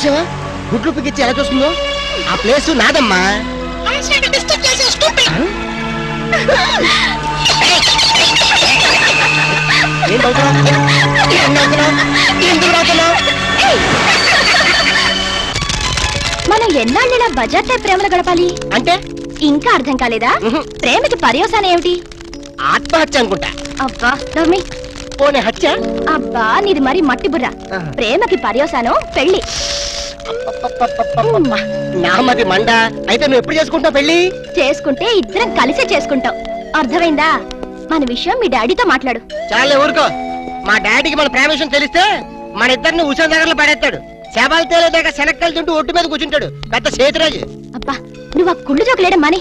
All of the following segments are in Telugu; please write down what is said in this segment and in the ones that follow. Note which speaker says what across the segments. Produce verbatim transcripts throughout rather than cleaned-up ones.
Speaker 1: చూసావా గుడ్లు పిగిచ్చి ఎలా చూస్తుందో? ఆ ప్లేస్ నాదమ్మా.
Speaker 2: మనం ఎన్నాళ్ళ బజార్ టైప్ ప్రేమలు గడపాలి
Speaker 1: అంటే
Speaker 2: ఇంకా అర్థం కాలేదా? ప్రేమకి పర్యవసానం ఏమిటి?
Speaker 1: ఆత్మహత్య అనుకుంటా.
Speaker 2: అబ్బా నవ్మి
Speaker 1: పోనీ హత్య?
Speaker 2: అబ్బా నీది మరి మట్టి బుర్ర. ప్రేమకి పర్యవసానం పెళ్లి.
Speaker 1: నామది మండ. అయితే నువ్వు ఎప్పుడు చేసుకుంటావు పెళ్లి?
Speaker 2: చేసుకుంటే ఇద్దరం కలిసే చేసుకుంటాం. అర్థమైందా? మన విషయం మీ డాడీతో మాట్లాడు.
Speaker 1: చాలే ఊరుకో. మా డాడీకి మన ప్రేమ విషయం తెలిస్తే మన ఇద్దరిని ఉషా దగ్గరలో పడేస్తాడు. శవాలు తేలేదాకా శనక్కలు తింటూ ఒట్టు మీద కూర్చుంటాడు పెద్ద సేతురాజు.
Speaker 2: అబ్బా నువ్వు ఆ కుళ్ళు జోకులేడం మాని.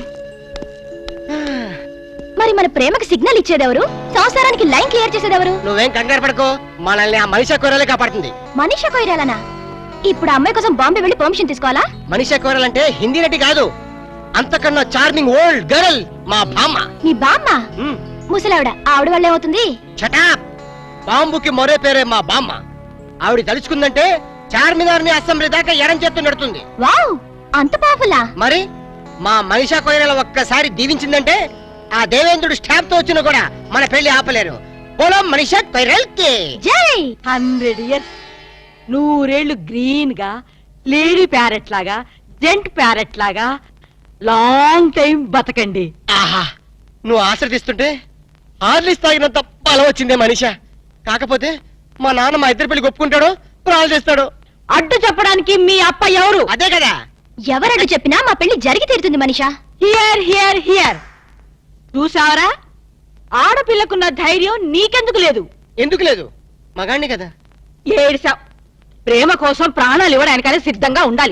Speaker 2: మరి మన ప్రేమకి సిగ్నల్ ఇచ్చేదెవరు? సంసారానికి లైన్ క్లియర్ చేసేదెవరు?
Speaker 1: నువ్వేం కంగారు పడుకో, మనల్ని ఆ మనిషి కొరలే కాపాడుతుంది.
Speaker 2: మనిషి కొయ్యాలనా? ఇప్పుడు అమ్మాయి కోసం బాంబే వెళ్ళి పర్మిషన్ తీసుకోవాలా?
Speaker 1: మనిషి కోరాలంటే హిందీ నటి కాదు, అంతకన్నా చార్మింగ్ ఓల్డ్ గర్ల్ మా బామ్మ.
Speaker 2: మీ బామ్మ? ముసలావిడ. ఆవిడ వల్ల ఏమవుతుంది?
Speaker 1: చటాప్. బాంబుకి మరో పేరే మా బామ్మ. ఆవిడ తలుచుకుందంటే చార్మినార్ ని అసెంబ్లీ దాకా ఎరం చేత్తు నడుతుంది.
Speaker 2: వావ్, అంత పవర్ఫుల్లా?
Speaker 1: మరి మా మనిషా కొయ్యల ఒక్కసారి దీవించిందంటే ఆ దేవేంద్రుడు స్టాప్ తో వచ్చినా కూడా మన పెళ్లి ఆపలేరు. పొలం మనిషా కొయ్యల్కి
Speaker 2: జై.
Speaker 3: హండ్రెడ్ ఇయర్స్ నూరేళ్లు గ్రీన్ గా లేడీ ప్యారెట్ లాగా జెంట్ ప్యారెట్ లాగా లాంగ్ టైం బతకండి.
Speaker 1: ఆహా, నువ్వు ఆశ్రదిస్తుంటే హార్లిస్ తాగినంత బలం వచ్చిందే మనిషా. కాకపోతే మా నాన్న మా ఇద్దరు పెళ్లి ఒప్పుకుంటాడో ప్రాణాలు చేస్తాడు.
Speaker 3: అడ్డు చెప్పడానికి మీ అప్ప ఎవరు?
Speaker 1: అదే కదా.
Speaker 2: ఎవరడ్డు చెప్పినా మా పెళ్లి జరిగి తీరుతుంది మనిషా.
Speaker 3: Hear hear hear. చూసావరా, ఆడపిల్లకున్న ధైర్యం నీకెందుకు లేదు?
Speaker 1: ఎందుకు లేదు? మగాణ్ణి కదా.
Speaker 3: ఏడ్సావ్. ప్రేమ కోసం ప్రాణాలు ఇవ్వడానికనే సిద్ధంగా ఉండాలి.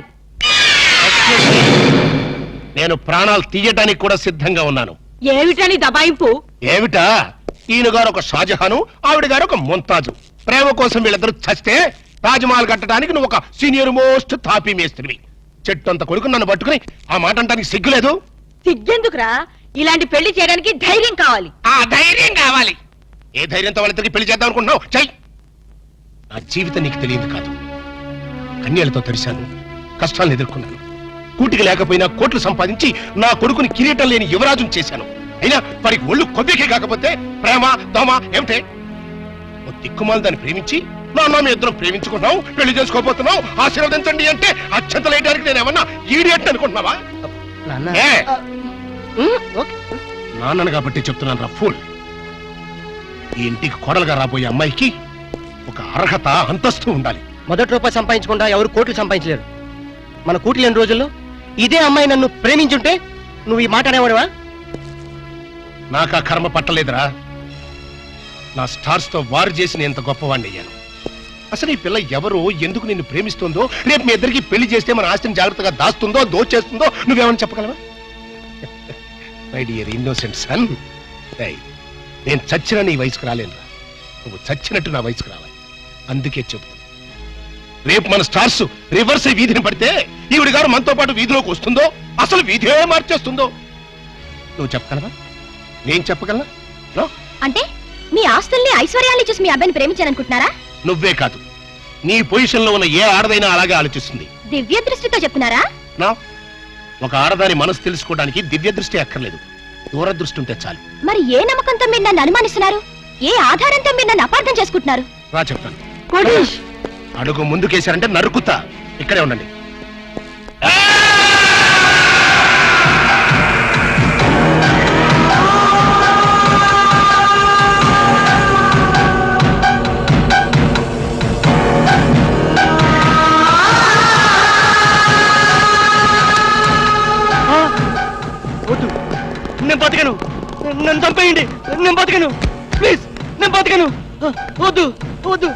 Speaker 4: నేను ప్రాణాలు తీయటానికి కూడా సిద్ధంగా ఉన్నాను.
Speaker 3: ఏమిటని దబాయింపు?
Speaker 4: ఏమిటా? ఈయన గారు ఒక షాజహాను, ఆవిడ గారు ఒక ముంతాజు. ప్రేమ కోసం వీళ్ళిద్దరు చస్తే తాజ్మహల్ కట్టడానికి నువ్వు ఒక సీనియర్ మోస్ట్ తాపీ మేస్త్రివి. చెట్టు అంత కొడుకు నన్ను పట్టుకుని ఆ మాట అంటానికి సిగ్గులేదు?
Speaker 3: సిగ్గెందుకురా? ఇలాంటి పెళ్లి చేయడానికి ధైర్యం కావాలి.
Speaker 4: ఆ ధైర్యం కావాలి. ఏ ధైర్యంతో వాళ్ళిద్దరికి పెళ్లి చేద్దాం అనుకుంటున్నావు? చెయ్. నా జీవితం నీకు తెలియదు కాదు. కన్యలతో తెరిశాను, కష్టాలను ఎదుర్కొన్నాను. కూటికి లేకపోయినా కోట్లు సంపాదించి నా కొడుకుని కిరీటం లేని యువరాజును చేశాను. అయినా వారికి ఒళ్ళు కొద్దికే కాకపోతే ప్రేమ దోమ ఏమిటే? ఓ దిక్కుమాలు దాన్ని ప్రేమించి నాన్న మీ ఇద్దరం ప్రేమించుకున్నావు, పెళ్లి చేసుకోబోతున్నావు, ఆశీర్వదించండి అంటే అత్యంతలేయడానికి నేను ఏమన్నా ఈడియట్ అనుకుంటున్నావా? నాన్నను కాబట్టి చెప్తున్నాను రా ఫూల్. ఈ ఇంటికి కోడలుగా రాబోయే అమ్మాయికి ఒక అర్హత అంతస్తు ఉండాలి.
Speaker 1: మొదటి రూపాయి సంపాదించకుండా ఎవరు కోట్లు సంపాదించలేరు. మన కూటి లేని రోజుల్లో ఇదే అమ్మాయి నన్ను ప్రేమించుంటే నువ్వు ఈ మాట అనేవాడువా?
Speaker 4: నాకు ఆ కర్మ పట్టలేదురా. నా స్టార్స్ తో వారు చేసి నేను ఎంత గొప్పవాణ్ణి అయ్యాను. అసలు ఈ పిల్ల ఎవరో, ఎందుకు నిన్ను ప్రేమిస్తుందో, రేపు మీ ఇద్దరికి పెళ్లి చేస్తే మన ఆస్తిని జాగ్రత్తగా దాస్తుందో దోచేస్తుందో నువ్వేమని చెప్పగలవా? మై డియర్ ఇన్నోసెంట్ సన్, నేను చచ్చిన నీ వయసుకు రాలేనురా. నువ్వు చచ్చినట్టు నా వయసుకు రావాలి. అందుకే చెప్తున్నా, రేపు మన స్టార్స్ రివర్స్ వీధిని పడితే ఈవిడి గారు మనతో పాటు వీధిలోకి వస్తుందో, అసలు వీధే మార్చేస్తుందో నువ్వు చెప్పగలవా? నేను చెప్పగలనా?
Speaker 2: అంటే మీ ఆస్తుల్ని ఐశ్వర్యాన్ని చూసి మీ అబ్బాయిని ప్రేమించాలనుకుంటున్నారా?
Speaker 4: నువ్వే కాదు, నీ పొజిషన్ లో ఉన్న ఏ ఆడదైనా అలాగే ఆలోచిస్తుంది.
Speaker 2: దివ్య దృష్టితో చెప్తున్నారా?
Speaker 4: నా ఒక ఆడదాని మనసు తెలుసుకోవడానికి దివ్య దృష్టి అక్కర్లేదు, దూరదృష్టి ఉంటే చాలు.
Speaker 2: మరి ఏ నమ్మకంతో మీరు నన్ను అనుమానిస్తున్నారు? ఏ ఆధారంతో మీరు నన్ను అపార్థం చేసుకుంటున్నారు?
Speaker 4: రా చెప్తాను. అడుగు ముందుకేశారంటే నరుకుతా. ఇక్కడే ఉండండి.
Speaker 1: వద్దు, నేను బతకను. నన్ను చంపేయండి, నేను బతకను. ప్లీజ్, నేను బతకను. వద్దు వద్దు.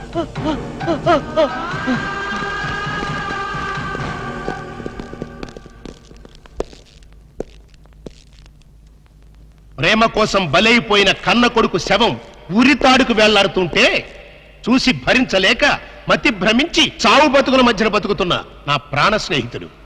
Speaker 4: ప్రేమ కోసం బలైపోయిన కన్న కొడుకు శవం ఉరితాడుకు వెళ్లాడుతుంటే చూసి భరించలేక మతి భ్రమించి చావు బతుకుల మధ్యన బతుకుతున్న నా ప్రాణ స్నేహితుడు